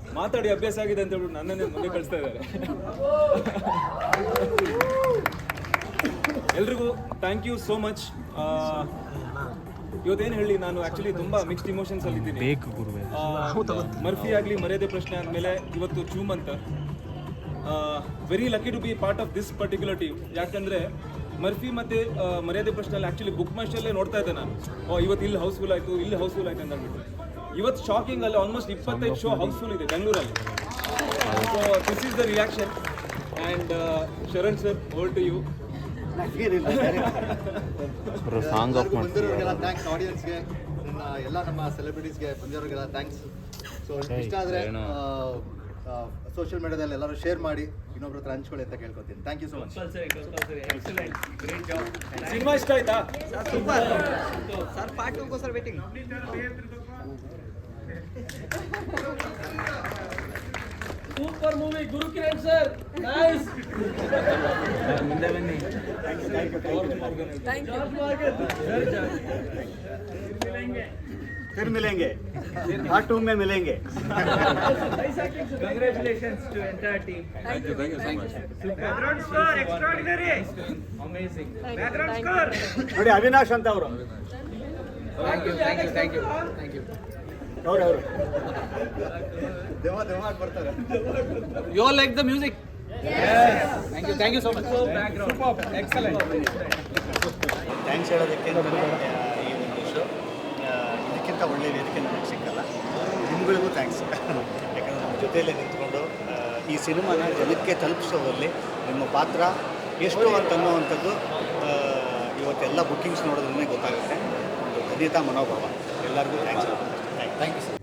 ಮಾತಾಡಿ ಅಭ್ಯಾಸ ಆಗಿದೆ ಅಂತ ಹೇಳ್ಬಿಟ್ಟು ನನ್ನನ್ನೇ ಮುಂದೆ ಕಳಿಸ್ತಾ ಇದ್ದಾರೆ. ಎಲ್ರಿಗೂ ಥ್ಯಾಂಕ್ ಯು ಸೋ ಮಚ್. ಇವತ್ತೇನು ಹೇಳಿ, ನಾನು ಆ್ಯಕ್ಚುಲಿ ತುಂಬ ಮಿಕ್ಸ್ಡ್ ಇಮೋಷನ್ಸ್ ಅಲ್ಲಿದ್ದೀನಿ. ಮರ್ಫಿ ಆಗಲಿ ಮರ್ಯಾದೆ ಪ್ರಶ್ನೆ ಆದಮೇಲೆ ಇವತ್ತು ಚೂಮ್ ಅಂತ very lucky to be part of this particular team. ಯಾಕಂದರೆ ಮರ್ಫಿ ಮತ್ತು ಮರ್ಯಾದೆ ಪ್ರಶ್ನೆಯಲ್ಲಿ ಆ್ಯಕ್ಚುಲಿ ಬುಕ್ ಮೈ ಶೋಲ್ಲೇ ನೋಡ್ತಾ ಇದ್ದೆ ನಾನು. ಇವತ್ತು ಇಲ್ಲಿ ಹೌಸ್ಫುಲ್ ಆಯಿತು, ಇಲ್ಲಿ ಹೌಸ್ಫುಲ್ ಆಯಿತು ಅಂತ ಅಂದ್ಬಿಟ್ಟು. ಇವತ್ತು ಶಾಕಿಂಗ್ ಅಲ್ಲಿ ಆಲ್ಮೋಸ್ಟ್ 25 ಶೋ ಹೌಸ್ಫುಲ್ ಇದೆ ಬೆಂಗಳೂರಲ್ಲಿ. So this is the reaction. And Sharan sir, over to you. ಬಂದಿರೋರಿಗೆಲ್ಲ ಥ್ಯಾಂಕ್ಸ್, ಆಡಿಯನ್ಸ್ಗೆ, ಎಲ್ಲ ನಮ್ಮ ಸೆಲೆಬ್ರಿಟೀಸ್ಗೆ ಬಂದಿರೋರಿಗೆಲ್ಲ ಥ್ಯಾಂಕ್ಸ್. ಸೊ ಇಷ್ಟ ಆದರೆ ಸೋಷಿಯಲ್ ಮೀಡಿಯಾದಲ್ಲಿ ಎಲ್ಲರೂ ಶೇರ್ ಮಾಡಿ, ಇನ್ನೊಬ್ರ ಹತ್ರ ಹಂಚ್ಕೊಳ್ಳಿ ಅಂತ ಕೇಳ್ಕೊತೀನಿ. Thank you so much. Cinema ಇಷ್ಟ ಆಯ್ತಾ? ಸರ್ ಪಾರ್ಟ್ 2 ಗೋಸ್ಕರ waiting. Super movie Guru Kiran sir, nice. ಮುಂದೆ ಬನ್ನಿ. Thank you. फिर मिलेंगे, पार्ट 2 में मिलेंगे. Congratulations to entire team. Thank you so much. Background score extraordinary. Amazing. Background score. ನೋಡಿ ಅವಿನಾಶ್ ಅಂತ ಅವರು. Thank you. ಅವರು ದೇವ ಬರ್ತಾರೆ. You all like the music? Yes. Thank you so much. Background. Superb. Excellent. Thanks ಹೇಳೋದಕ್ಕೆ ಅಂತಲೇ ಈ ಒಂದು ಶೋ. ಇದಕ್ಕಿಂತ ಒಳ್ಳೆಯ ವೇದಿಕೆ ನನಗೆ ಸಿಕ್ಕಲ್ಲ. ನಿಮ್ಗಳಿಗೂ ಥ್ಯಾಂಕ್ಸ್. ಯಾಕಂದರೆ ನಮ್ಮ ಜೊತೆಯಲ್ಲೇ ನಿಂತ್ಕೊಂಡು ಈ ಸಿನಿಮಾನ ಜನಕ್ಕೆ ತಲುಪಿಸೋದ್ರಲ್ಲಿ ನಿಮ್ಮ ಪಾತ್ರ ಎಷ್ಟು ಅಂತನ್ನುವಂಥದ್ದು ಇವತ್ತೆಲ್ಲ ಬುಕ್ಕಿಂಗ್ಸ್ ನೋಡೋದ್ರೇ ಗೊತ್ತಾಗುತ್ತೆ. ಒಂದು ಧನ್ಯತಾ ಮನೋಭಾವ. ಎಲ್ಲರಿಗೂ ಥ್ಯಾಂಕ್ಸ್. Thank you sir.